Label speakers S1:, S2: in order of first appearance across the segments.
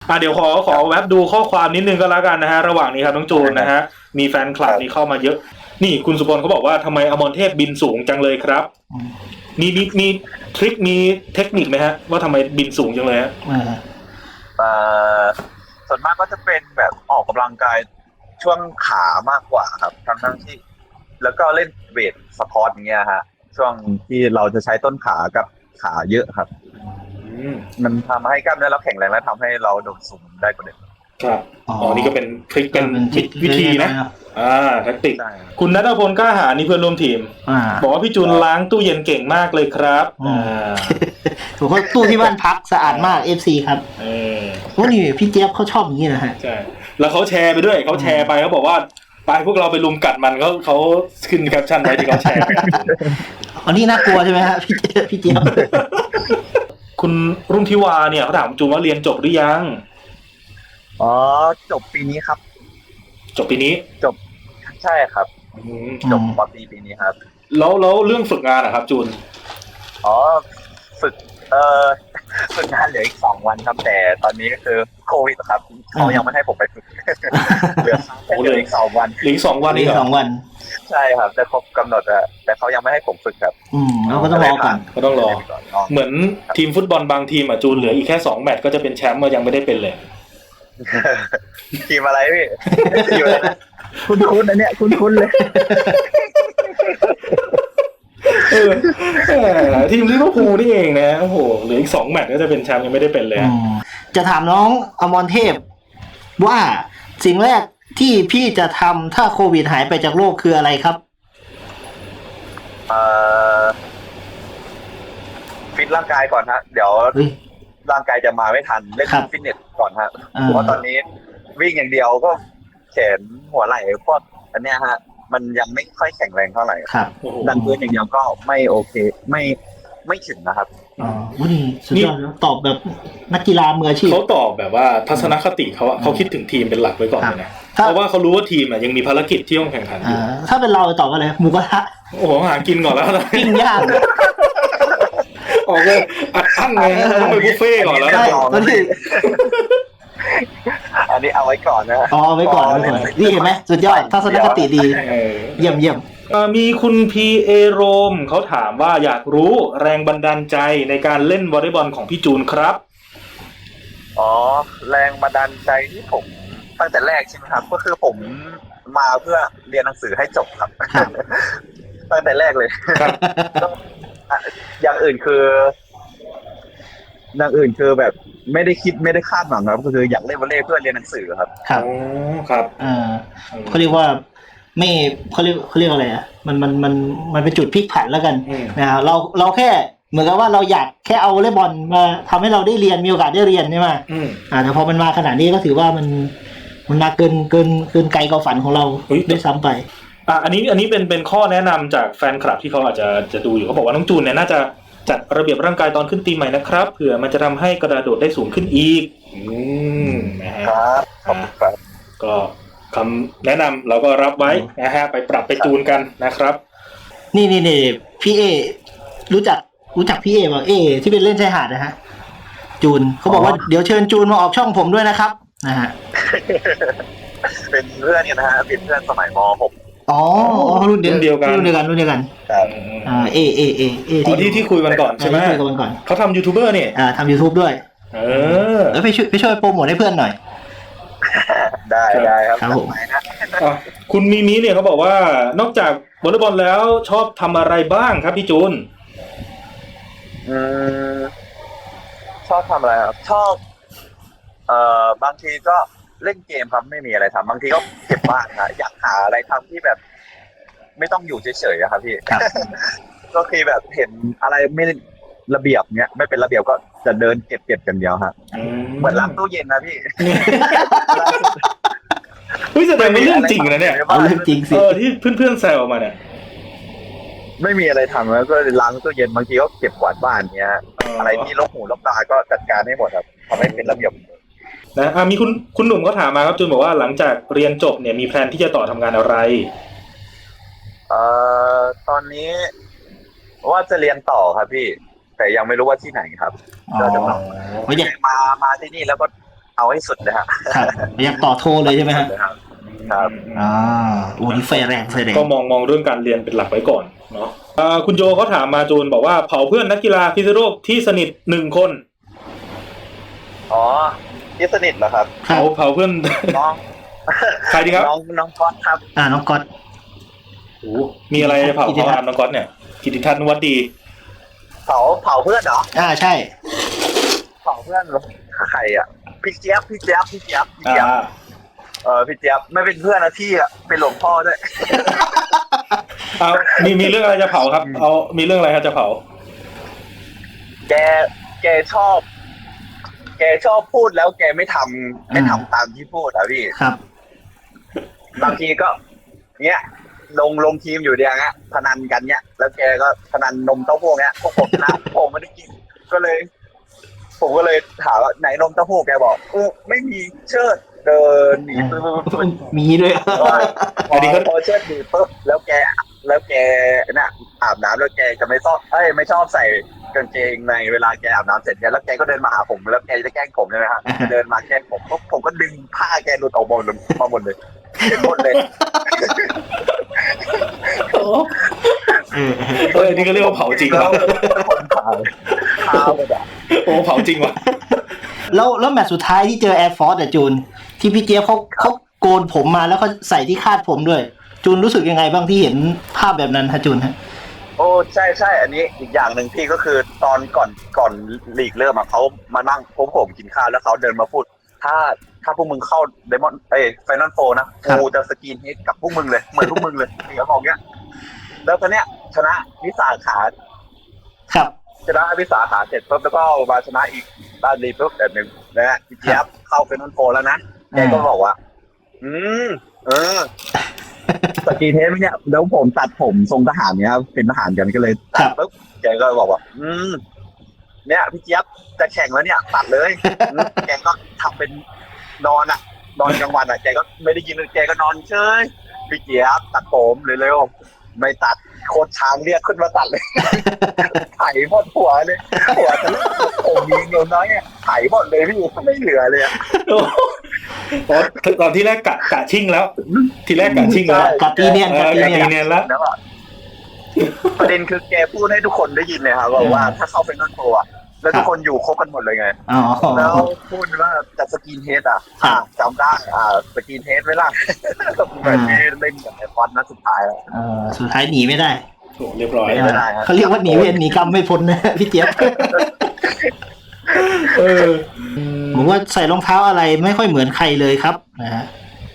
S1: เดี๋ยวขอแวบดูข้อความนิดนึงก็แล้วกันนะฮะระหว่างนี้ครับน้องจูนนะฮะมีแฟนคลับนี่เข้ามาเยอะนี่คุณสุพลเขาบอกว่าทำไมอมรเทพบินสูงจังเลยครับมีทริคมีเทคนิคไหมฮะว่าทำไมบินสูงจังเลยฮะ
S2: ส่วนมากก็จะเป็นแบบออกกำลังกายช่วงขามากกว่าครับทั้งที่แล้วก็เล่นเวทสควอตอย่างเงี้ยฮะช่วงที่เราจะใช้ต้นขากับขาเยอะครับมันทำให้กล้ามเนื้อเราแข็งแรงและทำให้เราโดดสูงได้กว่าเดิม
S1: ครับนี่ก็เป็นทริคเป็นวิธีนะแทคติกคุณณัฐพลกล้าหาญนี่เพื่อนร่วมทีมบอกว่าพี่จูนล้างตู้เย็นเก่งมากเลยครับ
S3: ถูกว่าตู้ที่บ้านพักสะอาดมาก FC ครับว่านี่พี่เจี๊ยบเขาชอบอย่างนี้นะฮะ
S1: ใช่แล้วเขาแชร์ไปด้วยเขาแชร์ไปเขาบอกว่าไปพวกเราไปลุมกัดมันเขาขึ้นแคปชั่นไว้ที่เขาแชร์
S3: อันนี้น่ากลัวใช่ไหมฮะพี่เจี๊ยบ
S1: คุณรุ่งทิวาเนี่ยเขาถามจูนว่าเรียนจบหรือยัง
S2: จบปีนี้ครับ
S1: จบปีนี้
S2: จบใช่ครับจบป.ตรีปีนี้ครับ
S1: แล้วเรื่องฝึกงานนะครับจูน
S2: ฝึกงานเหลืออีก2 วันครับแต่ตอนนี้ก็คือโควิดครับเขายังไม่ให้ผมไปฝึกเหลืออีก2 วัน
S1: อีก2 วัน
S3: อีก2 วัน
S2: ใช่ครับแต่ครบกำหนดแต่เขายังไม่ให้ผมฝึกครับ
S3: เราก็ต้องรอก่อน
S1: ก็ต้องรอเหมือนทีมฟุตบอลบางทีมจูนเหลืออีกแค่2 แมตช์ก็จะเป็นแชมป์ยังไม่ได้เป็นเลย
S2: ทีมอะไรพี่ทีมอะไรนะคุ้นๆนะเนี่ยคุ้นๆเลย
S1: ทีมลิเวอร์พูลนี่เองนะโอ้โหเหลืออีก2 แมตช์ก็จะเป็นแชมป์ยังไม่ได้เป็นเลย
S3: จะถามน้องอมรเทพว่าสิ่งแรกที่พี่จะทำถ้าโควิดหายไปจากโลกคืออะไรครับ
S2: ฟิตร่างกายก่อนฮะเดี๋ยวร่างกายจะมาไม่ทันเล่นฟิตเนสก่อนฮะเพราะตอนนี้วิ่งอย่างเดียวก็แขนหัวไหล่พวกอันเนี้ยฮะมันยังไม่ค่อยแข็งแรงเท่าไหร่
S3: ครับ
S2: ดันพื้นอย่างเดียวก็ไม่โอเคไม่ถึงนะครับ
S3: นี่สุดยอดตอบแบบนักกีฬามืออาชีพ
S1: เขาตอบแบบว่าทัศนคติเขาคิดถึงทีมเป็นหลักไว้ก่อนเลยนะเพราะว่าเขารู้ว่าทีมยังมีภารกิจที่ต้องแข่งขันอยู่
S3: ถ้าเป็นเราตอบว่าอะไรหมูกระทะ
S1: โอ้โหหากินก่อนแล้ว
S3: ปิ้งย่าง
S1: ออกเลยอัดอั้นเลยต้องไปบุฟเฟ่ก่อนแล้ว
S2: อันนี้เอาไว้ก่อนนะ
S3: เอาไว้ก่อนนี่เห็นไหมสุดยอดทัศนคติดีเยี่ยม
S1: มีคุณพีเอโรมเขาถามว่าอยากรู้แรงบันดาลใจในการเล่นวอลเลย์บอลของพี่จูนครับ
S2: แรงบันดาลใจที่ผมตั้งแต่แรกใช่ไหมครับก็คือผมมาเพื่อเรียนหนังสือให้จบครับตั้งแต่แรกเลยอย่างอื่นแบบไม่ได้คิดไม่ได้คาดหวังครับก็คืออยากเล่นวอลเลย์เพื่อเรียนหนังสือครับ
S1: ครับ
S3: เขาเรียกว่าไม่เขาเรียกอะไรอ่ะมันเป็นจุดพลิกผันแล้วกันนะเราแค่เหมือนกับว่าเราอยากแค่เอาวอลเลย์บอลมาทำให้เราได้เรียนมีโอกาสได้เรียนใช่ไหมแต่พอมันมาขนาดนี้ก็ถือว่ามันมาเกินไกลกว่าฝันของเราด้วยซ้ำไป
S1: อันนี้เป็นข้อแนะนำจากแฟนคลับที่เขาอาจจะดูอยู่เขาบอกว่าน้องจูนเนี่ยน่าจะจัดระเบียบร่างกายตอนขึ้นตีใหม่นะครับเผื่อมันจะทำให้กระโดดได้สูงขึ้นอีกนะฮะก็คำแนะนำเราก็รับไว้นะฮะไปปรับไปจูนกันนะครับ
S3: นี่พี่เอรู้จักพี่เอบอกที่เป็นเล่นชายหาดนะฮะจูนเขาบอกว่าเดี๋ยวเชิญจูนมาออกช่องผมด้วยนะครับนะฮะ
S2: เป็นเพื่อนกันนะฮะเป็นเพื่อนสมัยม.6
S3: รุ่นเดียวกัน
S1: ที่คุยกันก่อนใช่ไหมเขาทำยูทูบเบอร์เนี่ย
S3: ทำ YouTube ด้วยแล้วไปช่วยโปรโมทให้เพื่อนหน่อย
S2: ได้ครับ
S3: ผม
S1: คุณมีเนี่ยเขาบอกว่านอกจากวอลเลย์บอลแล้วชอบทำอะไรบ้างครับพี่จูน
S2: ชอบทำอะไรครับชอบบางทีก็เล่นเกมครับไม่มีอะไรทำบางทีก็เก็บบ้านนะอยากหาอะไรทำที่แบบไม่ต้องอยู่เฉยๆครับพี่ก็คือแบบเห็นอะไรไม่ระเบียบเนี้ยไม่เป็นระเบียบก็จะเดินเก็บกันเดียวครับเหมือนล้างตู้เย็นนะพี่
S1: แสดงว่าเรื่องจริงนะเนี่ย
S3: เรื่องจริงสิ
S1: ที่เพื่อนๆแซวมาเนี่ย
S2: ไม่มีอะไรทำแล้วก็ล้างตู้เย็นบางทีก็เก็บกวาดบ้านเนี้ยอะไรที่รกหูรกตาก็จัดการให้หมดครับทำให้เป็นระเบียบ
S1: นะมีคุณหนุ่มเขาถามมาครับจูนบอกว่าหลังจากเรียนจบเนี่ยมีแพลนที่จะต่อทำงานอะไร
S2: ตอนนี้ว่าจะเรียนต่อครับพี่แต่ยังไม่รู้ว่าที่ไหนครับก็จะมาที่นี่แล้วก็เอาให้สุดเลยครับ
S3: ครับอยากต่อโทเลยใช่ไหมฮะ
S2: ครับครับ
S3: โอ้นี่ไฟแรงไฟแรง
S1: ก็มองเรื่องการเรียนเป็นหลักไว้ก่อนเนาะคุณโจเขาถามมาจูนบอกว่าเผาเพื่อนนักกีฬาพิษณุโลกที่สนิท1 คน
S2: อ๋อที่สนิทเหรอครับ
S1: เผาเพื่อน
S2: น้อง
S1: ใครดีครับ
S2: น้องก๊อตครับ
S3: น้องก๊อต
S1: โอ้มีอะไรเผา
S3: กิติทัศน์
S1: น้องก๊อตเนี่ยกิติทัศน์นวัดดี
S2: เผาเพื่อนเหรอ
S3: ใช่
S2: เผาเพื่อนใครอ่ะพี่เจี๊ยบ
S1: อ่า
S2: พี่เจี๊ยบพี่เจี๊ยบไม่เป็นเพื่อนนะที่อ่ะเป็นหลวงพ่อด้วย
S1: มีเรื่องอะไรจะเผาครับมีเรื่องอะไรครับจะเผา
S2: แกชอบพูดแล้วแกไม่ทำตามที่พูดอ่ะพี่
S3: ครับ
S2: บางทีก็เนี้ยลงทีมอยู่เดียวเงี้ยพนันกันเนี้ยแล้วแกก็พนันนมเต้าหู้เนี้ยพวกผมนะ ผมไม่ได้กินผมก็เลยถามว่าไหนนมเต้าหู้แกบอกไม่มีเชิดเดินหนีปึ๊บ
S3: มีด้วย
S1: อันนี้ก็
S2: พอเชิดหนีปึ๊บแล้วแกน่ะอาบน้ำแล้วแกจะไม่ชอบใส่กางเกงในเวลาแกอาบน้ำเสร็จเนี่ยแล้วแกก็เดินมาหาผมแล้วแกจะแกล้งผมใช่ไหมครับเดินมาแกล้งผมปุ๊บผมก็ดึงผ้าแกหลุดออกมาหมดเลยหมดเลย
S1: อันนี้ก็เรียกว่าเผาจริง
S2: แล้ว
S1: วะ
S2: คนขายข้าวแบบ
S1: โอ้เผาจริงว่ะ
S3: แล้วแมตช์สุดท้ายที่เจอแอร์ฟอร์สจูนที่พี่เจี๊ยบเขาโกนผมมาแล้วก็ใส่ที่คาดผมด้วยจูนรู้สึกยังไงบ้างที่เห็นภาพแบบนั้นฮะจูนฮะ
S2: โอ้ใช่อันนี้อีกอย่างหนึ่งพี่ก็คือตอนก่อนลีกเริ่มอ่ะเขามานั่งพบผมกินข้าวแล้วเขาเดินมาพูดถ้าพวกมึงเข้าไดมอนด์ไฟนอลโฟนะกูจะสกรีนเฮดกับพวกมึงเลยเหมือนพวกมึงเลยเขาบอกเงี้ยแล้วตอนเนี้ยชนะวิสาขา
S3: ครับ
S2: ชนะวิสาขาเสร็จปุ๊บแล้วก็มาชนะอีกด้านรีปุ๊บแบบหนึ่งนะฮะพี่เจี๊ยบเข้าไฟนอลโฟแล้วนะแกก็บอกว่าสกรีนเฮดไหมเนี่ยแล้วผมตัดผมทรงทหารเนี้ยเป็นทหารกันก็เลยตัดปุ๊บแกก็บอกว่าเนี่ยพี่เจี๊ยบจะแข่งแล้วเนี่ยตัดเลยแกก็ทำเป็นนอนกลางวันแกก็ไม่ได้ยินแกก็นอนเฉยพี่เจี๊ยบตัดผมเร็วๆไม่ตัดโคตรช้างเรียกขึ้นมาตัดเลยไถหมดหัวเลยหัวจะผมมีเงินน้อยไถหมดเลยพี่ไม่เหลือเลย
S1: ตอนที่แรกกะชิ่งแล้ว ทีแรกกะชิ่งแล้ว
S3: กะตีเนียน
S1: แล้ว
S2: ประเด็นคือแกพูดให้ทุกคนได้ยินเลยครับว่าถ้าเข้าเป็นนั่นโตอ่ะแล้วทุกคนอยู่ครบกันหมดเลยไงแล้วพูดว่าจะสกินเฮดจำได้สกินเฮดไม่ล่ะแบบนี้เล่นกับไอคอนนัดสุดท้ายแล้ว
S3: สุดท้ายหนีไม่ได้
S1: เรียบร้อย
S3: เขาเรียกว่าหนีเวรหนีกรรมไม่พ้นนะพี่เจี๊ยบผมว่าใส่รองเท้าอะไรไม่ค่อยเหมือนใครเลยครับนะฮะ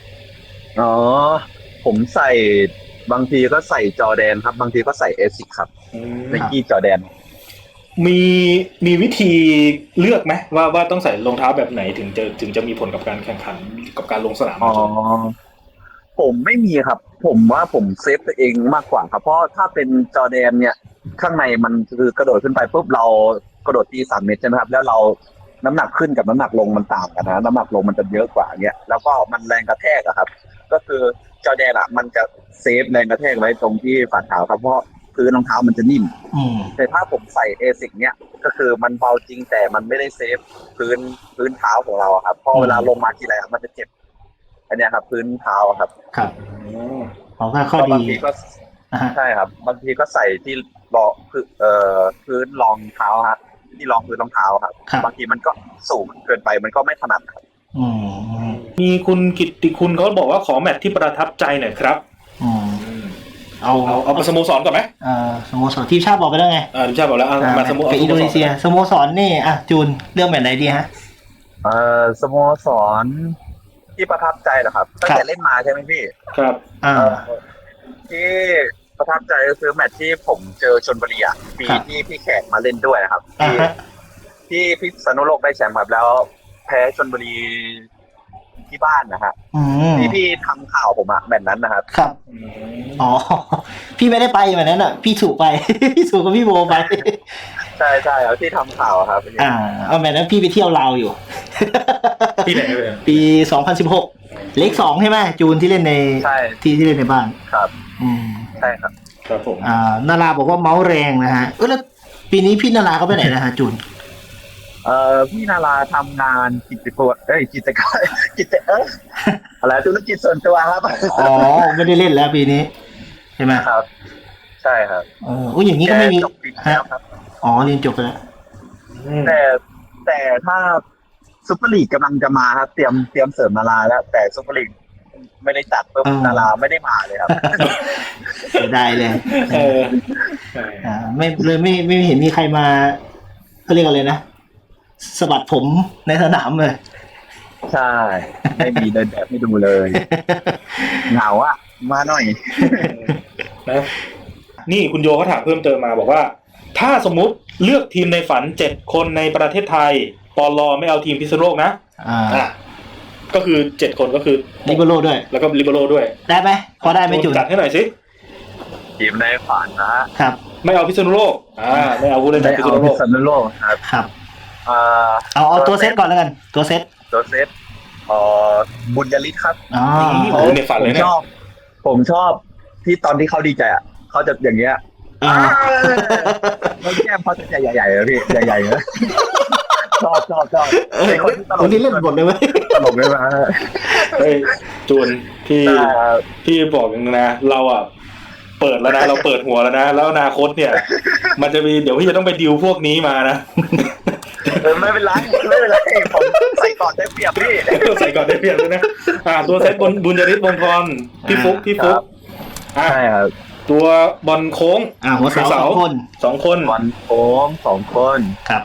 S2: ผมใส่บางทีก็ใส่จอร์แดนครับบางทีก็ใส่เอซิกครับไนกี้จอร์แดน
S1: มีวิธีเลือกไหมว่าต้องใส่รองเท้าแบบไหนถึงจะมีผลกับการแข่งขันกับการลงสนาม
S2: ผมไม่มีครับผมว่าผมเซฟตัวเองมากกว่าครับเพราะถ้าเป็นจอร์แดนเนี่ยข้างในมันคือกระโดดขึ้นไปปุ๊บเรากระโดดตี3 เมตรใช่ไหมครับแล้วเราน้ำหนักขึ้นกับน้ำหนักลงมันต่างกันนะน้ำหนักลงมันจะเยอะกว่าเงี้ยแล้วก็มันแรงกระแทกอะครับก็คือจอร์แดนมันจะเซฟแรงกระแทกไว้ตรงที่ฝ่าเท้าครับเพราะพื้นรองเท้ามันจะนิ่มแต่ถ้าผมใส่เอซิกเนี่ยก็คือมันเบาจริงแต่มันไม่ได้เซฟพื้นเท้าของเราครับพอเวลาลงมาทีไรมันจะเจ็บอันนี้ครับพื้นเท้าครับ
S3: ของข้อดี
S2: บางทีก็ใช่ครับบางทีก็ใส่ที่รองพื้นรองเท้าครับที่รองพื้นรองเท้าครับบางทีมันก็สูงเกินไปมันก็ไม่ถนัดครับ
S1: มีคุณกิตติคุณเขาบอกว่าขอแมตช์ที่ประทับใจหน่อยครับเอาสโมสรก่อนไหม
S3: สโมสรทีมชาติบอกไปแล้วไง
S1: ทีมชาติบอกแล้วมาสโมสร
S3: อินโดนีเซียสโมสรนี่จูนเรื่องแบบไหนดีฮะ
S2: สโมสรที่ประทับใจเหรอครับตั้งแต่เล่นมาใช่ไหมพี่
S1: ครับ
S2: ที่ประทับใจก็คือแมตช์ที่ผมเจอชลบุรีปีที่พี่แขกมาเล่นด้วยนะครับที่พิษณุโลกได้แชมป์ครับแล้วแพ้ชลบุรีที่บ้านนะฮะที่พี่ทำข่าวผมแมตช์นั้นนะครับ
S3: ครับพี่ไม่ได้ไปแบบนั้นพี่ถูกไปพี่ถูกกับพี่โบไป
S2: ใช่ครับที่ทำข่าวครับ
S3: เอาแบบนั้นพี่ไปเที่ยวลาวอยู่
S1: ปีไหน
S3: ปี2016เลข2ใช่ไหมจูนที่เล่นในที่เล่นในบ้าน
S2: ครับใช่ครับ
S1: ครับผม
S3: นาราบอกว่าเมาส์แรงนะฮะแล้วปีนี้พี่นาราเขาไปไหนนะฮะจูน
S2: พี่นาราทำงานกิจการกิจการอะไรธุรกิจส่วนตัวครับ
S3: อ๋อไม่ได้เล่นแล้วปีนี้ใช่ไหม
S2: ครับ ใช่ครับ
S3: อุ้ยอย่างนี้ก็ไม่มี
S2: จบปีแล้วครับ
S3: อ๋อเรียนจบไปแล้ว
S2: แต่ถ้าซุปเปอร์ลีกกำลังจะมาครับเตรียมเสริมนาราแล้ว แต่ซุปเปอร์ลีกไม่ได้จัดเพิ่มนาราไม่ได้มาเลยครับ
S3: เสียดายเลย
S1: เออ
S3: ไม่เลยไม่เห็นมีใครมาเขาเรียกอะไรนะสะบัดผมในสนามเลย
S2: ใช่ ไม่มีเดินแบบไม่ดูเลยเหงาอ่ะมาหน่อย
S1: นะนี่คุณโยเขาถามเพิ่มเติมมาบอกว่า ถ้าสมมุติเลือกทีมในฝัน7คนในประเทศไทยปลอไม่เอาทีมพิษณุโลกนะก็คือ7คนก็คือ
S3: ลิเบโร่ด้วย
S1: แล้วก็ลิเบโร่ด้วย
S3: ได้ไหมพอได้ไหมจุน
S1: จัดให้หน่อยสิ
S2: ทีมในฝันนะครับ
S1: ไม่เอาพิษณุโลกไม่เอาผู้เล่น
S2: ไม่
S1: จากพิษ
S2: เอา
S1: ณุโล
S2: พิ
S1: ก
S2: ษณุโลกครับ
S3: ครับ
S2: เอา
S3: ตัวเซตก่อนแล้วกันตัวเซต
S2: ตัวเซตบุญยริศครับ
S3: อ๋อ
S1: โอ้ในฝันเลยเนี่ย
S2: ผมชอบที่ตอนที่เขาดีใจอ่ะเขาจะอย่างเงี้ยแล้วแก้มเขาจะใหญ่ๆเลยพี่ใหญ่ๆเลยชอบเป็นคนที่ตล
S3: คน
S2: ก
S3: ที่เล่นบทเลยไหม
S2: ตลกเลยนะ
S1: เฮ้ยจูนพี่บอกอย่างนึงนะเราอ่ะเปิดแล้วนะเราเปิดหัวแล้วนะแล้วอนาคตเนี่ย มันจะมีเดี๋ยวพี่จะต้องไปดิวพวกนี้มานะ
S2: ไม่เป็นไรผมใส่ก่อนได้เปรียบพี่
S1: ใส่ก่อนได้เปรียบเลยนะตัวเซตบุญยริศวงศ์ธรพี่ฟุ๊ก
S2: ใช่ครับ
S1: ตัวบอลโค้ง
S3: หัวเสาสองคน
S2: บอลโค้ง2 คน
S3: ครับ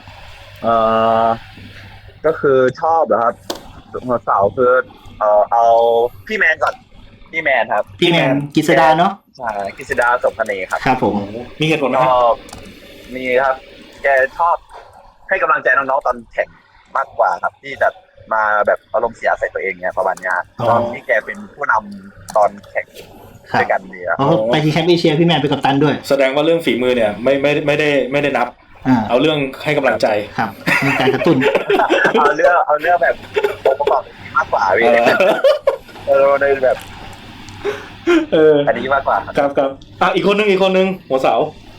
S2: ก็คือชอบเหรอครับหัวเสาคือเอาพี่แมนก่อนพี่แมนครับ
S3: พี่แมนกิษดาเนาะ
S2: ใช่กิษดาสมคเนครับ
S3: ครับผม
S1: มีเหตุผลไหม
S2: ช
S1: ครับ
S2: อบมีครับ แกชอบให้กำลังใจน้องๆตอนแข่งมากกว่าครับ ที่จะมาแบบอารมณ์เสียใส่ตัวเองเนี่ยประมาณนี้ตอนที่แกเป็นผู้นำตอนแข่งด้วยกันเนี่ย
S3: ไปที่แชมป์เอเชียพี่แมนเป็นกัปตันด้วย
S1: แสดงว่าเรื่องฝีมือเนี่ยไม่ได้นับเอาเรื่องให้กำลังใจ
S3: ครับมีการกระตุ้น
S2: เอาเรื่องแบบองค์ประกอบมากกว่าพี่ในแบบอันนี้มากกว่า
S1: ครับอีกคนนึงหัวเสา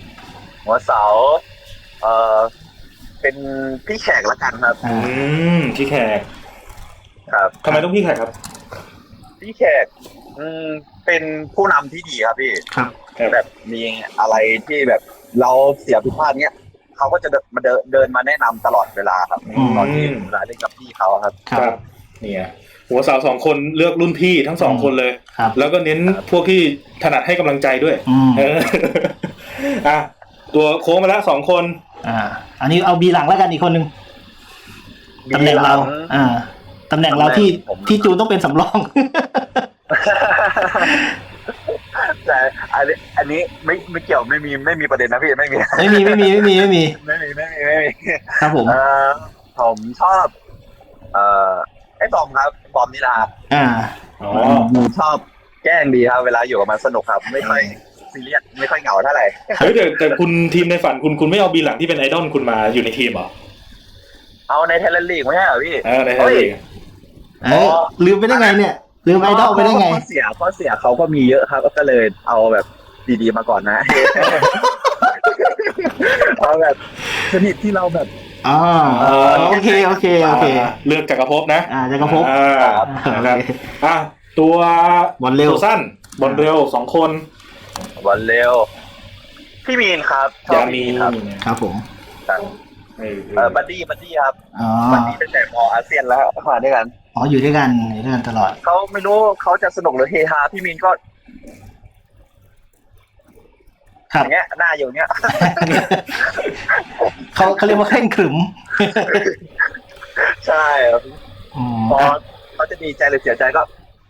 S2: เป็นพี่แขกละกันครับ
S1: พี่แขก
S2: ครับ
S1: ทำไมต้องพี่แขกครับ
S2: พี่แขกเป็นผู้นำที่ดีครับพี่
S3: ครับ
S2: แบบมีอะไรที่แบบเราเสียผิดพลาดเนี้ยเขาก็จะมาเดินมาแนะนำตลอดเวลาครับตอนที่เวลาเล่นกับพี่เขาครับ
S1: ครับเนี่ยหัวเสา2 คนเลือกรุ่นพี่ทั้ง2 คนเลยแล้วก็เน้นพวกที่ถนัดให้กำลังใจด้วยตัวโค้งมาแล้ว2 คน
S3: อันนี้เอาบีหลังแล้วกันอีกคนนึงตำแหน่งเราตำแหน่งเราที่จูนต้องเป็นสำรอง
S2: แต่อันนี้ไม่เกี่ยวไม่มีประเด็นนะพี่ไม่มี
S3: ครับผม
S2: ผมชอบไอ้บอมครับบอมนิลาผมชอบแกล้งดีครับเวลาอยู่กับมันสนุกครับไม่ค่อยซีเรียสไม่ค่อยเหงาเท่าไหร่
S1: เฮ้ยแต่คุณทีมในฝันคุณไม่เอาบีหลังที่เป็นไอดอลคุณมาอยู่ในทีมเหรอ
S2: เอาในไทยแลนด์ลีกไม่ใช่เหรอพี่
S1: ในไทยแลนด์ลีก
S3: ลืมไปได้ไงเนี่ยลืมไอดอลไปได้ไง
S2: ข้อเสียเขาก็มีเยอะครับก็เลยเอาแบบดีๆมาก่อนนะเอาแบบชนิดที่เราแบบ
S3: โอเค
S1: เลือกจักรภพนะ
S3: จักรภพ
S1: นะครับตัว
S3: บอลเร็ว
S1: สั้นบอลเร็ว2 คน
S2: บอลเร็วพี่มีนครับ
S1: ยามี
S3: ครับผม
S2: บัดดี้ครับบัดดี้ตั้งแต่ม.อาเซียนแล้วมาด้วยกัน
S3: อยู่ด้วยกันตลอด
S2: เขาไม่รู้เขาจะสนุกหรือเฮฮาพี่มีนก็อย่างเงี้ยหน้าอยู่เงี้ย
S3: เขาเรียกว่าเคร่งขรึม
S2: ใช่ครับพอเขาจะดีใจหรือเสียใจก็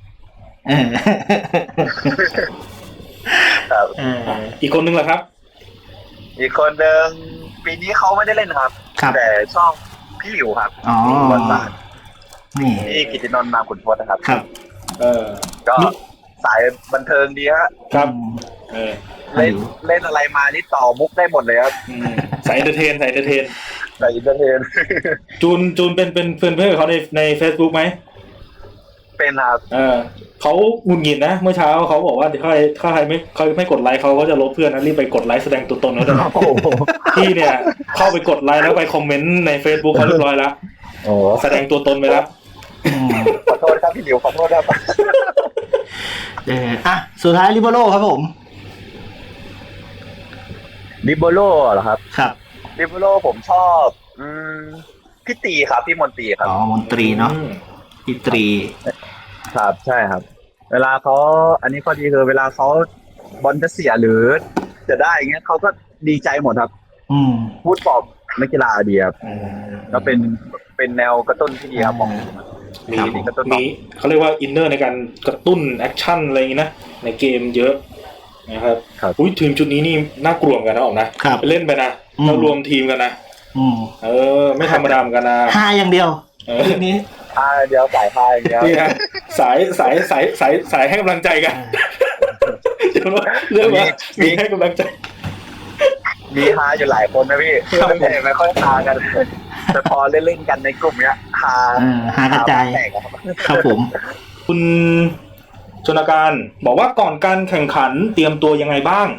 S1: ครับอีกคนนึงเหรอครับ
S2: อีกคนนึงปีนี้เขาไม่ได้เล่นครับแต่ชอบพี่หลิวครับบอลบาสนี่กิตตินนท์นามขุนทศนะครับ
S3: ครับ
S2: ก็สายบันเทิงดี
S1: ครับ
S2: เล่นอะไรมานี่ต่อมุกได้หมดเลยครับ
S1: สายเอนเตอร์เทนจูนเป็นเพื่อนกับเขาใน Facebook ไหม
S2: เป็นครับ
S1: เขาหงุดหงิดนะเมื่อเช้าเขาบอกว่าถ้าใครไม่กดไลค์เขาก็จะลบเพื่อนนะรีบไปกดไลค์แสดงตัวตนเขาด้วยนะพี่เนี่ยเข้าไปกดไลค์แล้วไปคอมเมนต์ใน Facebook เขาเรียบร้อยแล้วแสดงตัวตนไปแล้ว
S2: ขอโทษครับพี่หลิวขอโทษครับ
S3: สุดท้ายลิเบโร่ครับผม
S2: ลิเบโร่เหรอครับ
S3: ครับ
S2: ลิเบโร่ผมชอบพี่ตีครับพี่มนตรีครับ
S3: มนตรีเนาะพี่ตรี
S2: ครับใช่ครับเวลาเขาอันนี้ข้อดีคือเวลาเขาบอลจะเสียหรือจะได้อย่างเงี้ยเขาก็ดีใจหมดครับพูดปลอบนักกีฬาดีครับก็เป็นแนวกระตุ้นที่ดีครับผม
S1: มีเขาเรียกว่าอินเนอร์ในการกระตุ้นแอคชั่นอะไรอย่างนี้นะในเกมเยอะนะครับอุ้ยทีมชุดนี้นี่น่ากลัวกันนะออกนะไปเล่นไปนะเรารวมทีมกันนะไม่ธรรมดาเหมือนกันนะ
S3: ห้าอย่างเดียวทีนี้
S2: เดี๋ยวสายพายอย่างเดียว
S1: นี่ฮะสายให้กำลังใจกันเรื่องว่ามีให้กำลังใจ
S2: มีฮาอยู่หลายคนนะพี่แต่ไม่ค่อยฮากันแต่พอเล่นกันในกลุ่มเนี้ยฮ
S3: ากระจายครับผม
S1: คุณชนการบอกว่าก่อนการแข่งขันเตรียมตัวยังไงบ้าง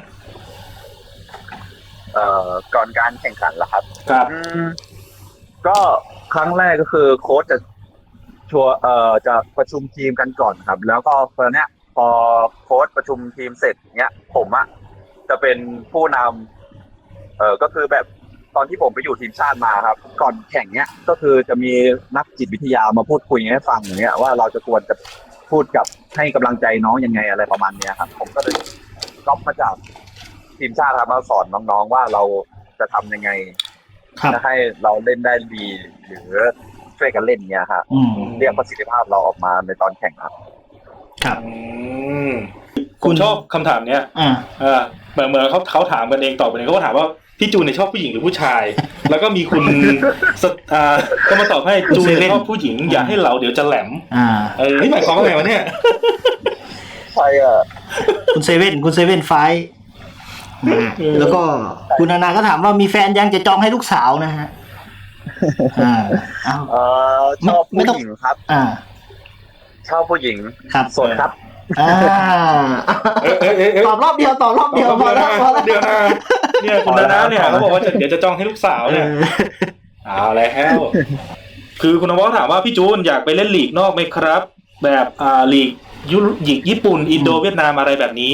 S2: ก่อนการแข่งขันเหรอครับ
S1: ครับ
S2: ก็ครั้งแรกก็คือโค้ชจะประชุมทีมกันก่อนครับแล้วก็ตอนเนี้ยพอโค้ชประชุมทีมเสร็จเนี้ยผมจะเป็นผู้นำก็คือแบบตอนที่ผมไปอยู่ทีมชาติมาครับก่อนแข่งเนี้ยก็คือจะมีนักจิตวิทยามาพูดคุยให้ฟังอย่างเงี้ยว่าเราจะควรจะพูดกับให้กำลังใจน้องยังไงอะไรประมาณเนี้ยครับผมก็เลยก๊อปมาจากทีมชาติครับมาสอนน้องๆว่าเราจะทำยังไงจะให้เราเล่นได้ดีหรือช่วยกันเล่นเงี้ยครับเรียกประสิทธิภาพเราออกมาในตอนแข่งครับ
S3: ครับ
S1: คุณชอบคำถามเนี้ยเหมือนเขาถามกันเองตอบกันเองเขาก็ถามว่าพี่จูนเนี่ยชอบผู้หญิงหรือผู้ชายแล้วก็มีคุณก็มาตอบให้จูนชอบผู้หญิงอย่าให้เราเดี๋ยวจะแหลมนี่หมายความว่าไงวะเนี่ย
S2: ใช่
S3: คุณเซเว่นไฟแล้วก็คุณนานาก็ถามว่ามีแฟนยังจะจองให้ลูกสาวนะฮะ
S2: ชอบผู้หญิงครับชอบผู้หญิง
S3: ครับ
S2: โสดครับ
S3: ตอบรอบเดียวพอแล้ว
S1: เดี๋ยวนะเนี่ยคุณนานาเนี่ยเขาบอกว่าเดี๋ยวจะจองให้ลูกสาวเนี่ยเอาแล้วคือคุณนวัฒน์ถามว่าพี่จูนอยากไปเล่นลีกนอกไหมครับแบบลีกญี่ปุ่นอินโดเวียดนามอะไรแบบนี้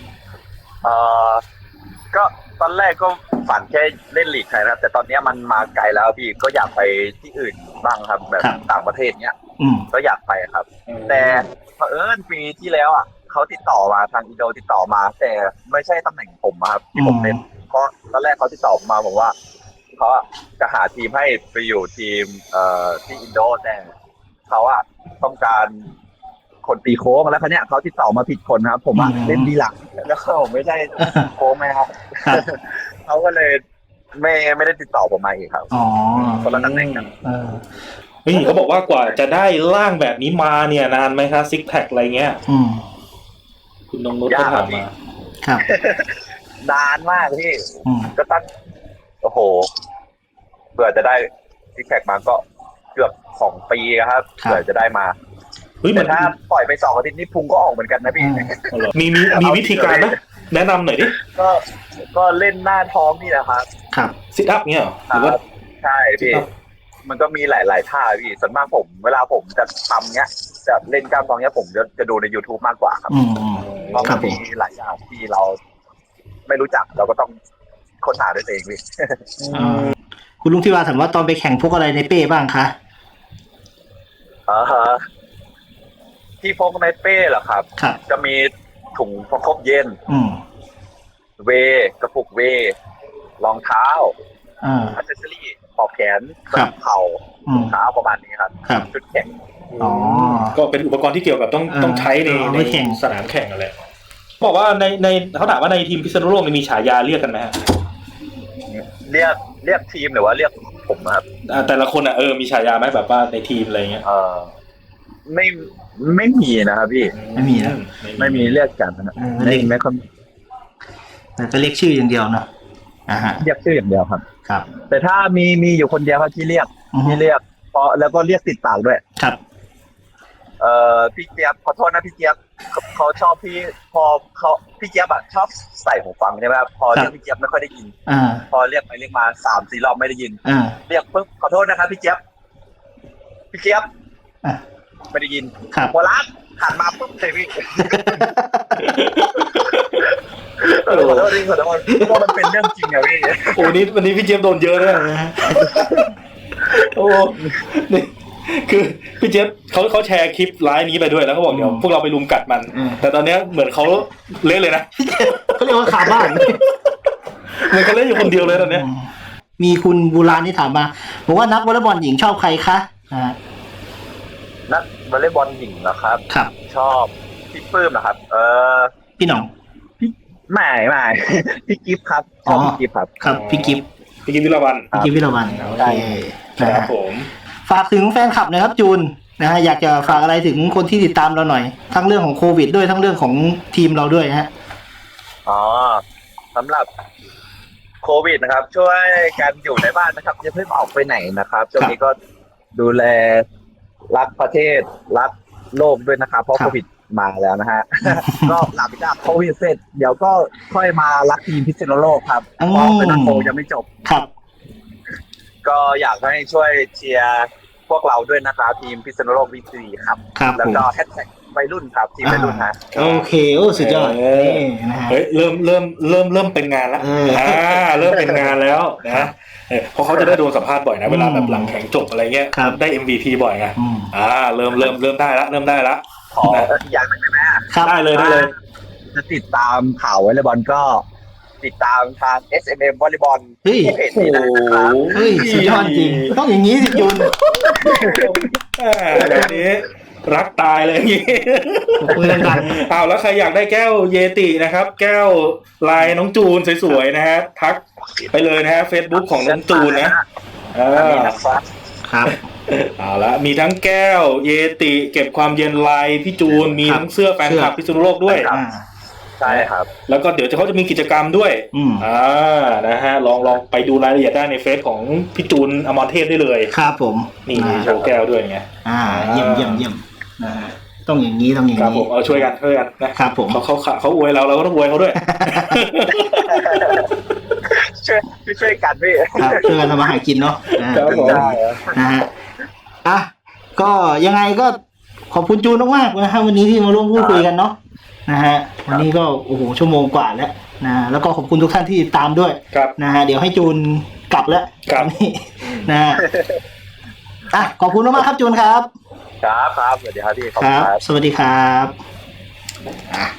S2: ก็ตอนแรกก็ฝันแค่เล่นลีกไทยนะแต่ตอนนี้มันมาไกลแล้วพี่ก็อยากไปที่อื่นบ้างครับแบบต่างประเทศเนี้ยก็อยากไปครับแต่เผอิญปีที่แล้วเขาติดต่อมาทางอินโดติดต่อมาแต่ไม่ใช่ตำแหน่งผมครับที่ผมเล่นเพราะตอนแรกเขาติดต่อมาบอกว่าเขาจะหาทีมให้ไปอยู่ทีมที่อินโดแต่เขาต้องการคนตีโค้งแล้วเขาเนี้ยเขาติดต่อมาผิดคนครับผมเล่นดีหลังแล้วผมไม่ใช่โค้งไหมครับเขาก็เลยไม่ได้ติดต่อผมมาอีกครับคนละตำแหน่งกัน
S1: เขาบอกว่ากว่าจะได้ร่างแบบนี้มาเนี่ยนานไหมครับซิกแพคอะไรเงี้ยคุณนงนุชก็ถามมา
S3: ครับ
S2: นานมากพี่ก็ตั้งโอ้โหเผื่อจะได้ซิกแพคมาก็เกือบ2 ปีครับเผื่อจะได้มาแต่ถ้าปล่อยไป2 อาทิตย์นี่พุงก็ออกเหมือนกันนะพี่
S1: มีวิธีการนะแนะนำหน่อยดิ
S2: ก็เล่นหน้าท้องนี่แหละครับ
S1: ซิทอัพเนี่ยหรือว่า
S2: ใช่พี่มันก็มีหลายท่าพี่ส่วนมากผมเวลาผมจะทำเนี้ยจะเล่นกล้ามท้องเนี้ยผมจะดูใน YouTube มากกว่าครับเพราะมันมีหลายอย่างที่เราไม่รู้จักเราก็ต้องค้นหาด้วยตัวเองพี่
S3: คุณลุงที่ว่าถามว่าตอนไปแข่งพวกอะไรในเป้บ้างคะ
S2: ที่พกในเป้เหรอครับจะมีถุงประคบเย็นกระปุกรองเท้าอัซเซสซอรี่ปลอกแขนเข่าเท้าประมาณนี้ครับชุดแข่ง
S1: ก็เป็นอุปกรณ์ที่เกี่ยวกับต้องใช้ในสนามแข่งอะไรบอกว่าในเขาถามว่าในทีมพิษณุโลกมีฉายาเรียกกันไหมฮะ
S2: เรียกทีมหรือว่าเรียกผมครับ
S1: แต่ละคนมีฉายาไหมแบบว่าในทีมอะไรเงี้ย
S2: ไม่มีนะครับพี่
S3: ไม่มีนะ
S2: ไม่มีเรียกกันนะ
S3: เรียกไม่ค่อยก็เรียกชื่ออย่างเดียวนะ
S2: เรียกชื่ออย่างเดียวครับ
S3: ครับ
S2: แต่ถ้ามีอยู่คนเดียวครับที่เรียกเพราะแล้วก็เรียกติดปากด้วย
S3: ครับ
S2: พี่เจี๊ยบขอโทษนะพี่เจี๊ยบเขาชอบพี่พอเขาพี่เจี๊ยบอะชอบใส่หูฟังใช่ไหมครับพอเรียกพี่เจี๊ยบไม่ค่อยได้ยิน พอเรียกไปเรียกมา3-4 รอบไม่ได้ยินเรียกปุ๊บขอโทษนะครับพี่เจี๊ยบไม่ได้ยิน
S3: ครับ
S2: หัวล้านหันมาปุ๊บเลยพี่ขอโทษเพราะว่ามันเป็นเรื่องจริงอะพี่
S1: โอ้นี่วันนี้พี่เจี๊ยบโดนเยอะเลยนะโอ้นี่คือพี่เจี๊ยบเขาแชร์คลิปไลฟ์นี้ไปด้วยแล้วเขาบอกเดี๋ยวพวกเราไปรุมกัดมัน แต่ตอนนี้เหมือนเขาเล่นเลยนะ
S3: เขาเรียกว่าขาบ้าน
S1: เหมือนเขาเล่นอยู่คนเดียวเลยตอนนี้
S3: มีคุณบูรานที่ถามมาบอกว่านักวอลเลย์บอลหญิงชอบใครคะ
S2: นักวอลเลย์บอลหญิงนะครับ
S3: ครับ
S2: ชอบพี่ปื้มนะครับ
S3: พี่หน่อง
S2: ไม่พี่กิฟครับชอบพี่กิฟครับ
S3: ครับพี่กิฟ
S1: วิลาวัน
S3: โอเค
S1: ครับผม
S3: ฝากถึงแฟนคลับนะครับจูนนะฮะอยากจะฝากอะไรถึงคนที่ติดตามเราหน่อยทั้งเรื่องของโควิดด้วยทั้งเรื่องของทีมเราด้วยฮะ
S2: สำหรับโควิดนะครับช่วยกันอยู่ในบ้านนะครับอย่าเพิ่งออกไปไหนนะครับช่วงนี้ก็ดูแลรักประเทศรักโลกด้วยนะครับเพราะโควิดมาแล้วนะฮะ ก็หลังจากโควิดเสร็จเดี๋ยวก็ค่อยมารักทีมพิษณุโลกครับเพราะเป็นนักโคยังไม่จบ
S3: ครับ
S2: ก็อยากให้ช่วยเชียร์พวกเราด้วยนะครับทีมพิษณุโลกวิซีครับแล้วก็แฮชแท็กวัยรุ่นครับทีมวัยรุ่นฮะ
S3: โอเคโอ้สุดยอด
S1: เฮ้ยเริ่มเป็นงานแล้วเริ่มเป็นงานแล้วนะเพราะเขาจะได้โดนสัมภาษณ์บ่อยนะเวลาแบบหลังแข่งจบอะไรเงี้ยได้ MVP บ่อยไงเริ่มได้ละ
S2: ขออย่างนึงได้ไหม
S1: ได้เลย
S2: จะติดตามข่าววอลเลย์บอลก็ติดตามทาง SMM วอลเลย์บอลที่เพจนี้นะครับ
S3: เฮ้ยสุดยอดจริงต้องอย่างนี้สิจุน
S1: แบบนี้รักตายเลยอย่างนี้แล้วใครอยากได้แก้วเยตินะครับแก้วลายน้องจูนสวยๆนะฮะทักไปเลยนะฮะ Facebook ของน้องจูนนะครับเอาละมีทั้งแก้วเยติเก็บความเย็นลายพี่จูนมีทั้งเสื้อแฟนคลับพิษณุโลกด้วย
S2: ใช่ครับ
S1: แล้วก็เดี๋ยวเขาจะมีกิจกรรมด้วยนะฮะลองไปดูรายละเอียดได้ในเฟซของพี่จูนอมรเทพได้เลย
S3: ครับผม
S1: นี่โชว์แก้วด้วยไง
S3: เยี่ยมนะฮะต้องอย่างนี้
S1: ครับผมเอาช่วยกัน
S3: นะครับผม
S1: เขาอวยเราก็ต้องอวยเขาด้วย
S2: ช่วยกันพี่
S3: ช่วยกันทำมาหากินเนาะนะฮะก็ยังไงก็ขอบคุณจูนมากๆนะฮะวันนี้ที่มาร่วมพูดคุยกันเนาะนะฮะวันนี้ก็โอ้โหชั่วโมงกว่าแล้วนะแล้วก็ขอบคุณทุกท่านที่ติดตามด้วยนะฮะเดี๋ยวให้จูนกลับแล้วนี่นะฮะขอบคุณมากครับจูนครับ
S2: ครับสวัสดีครับพี่
S3: ครับสวัสดีครับ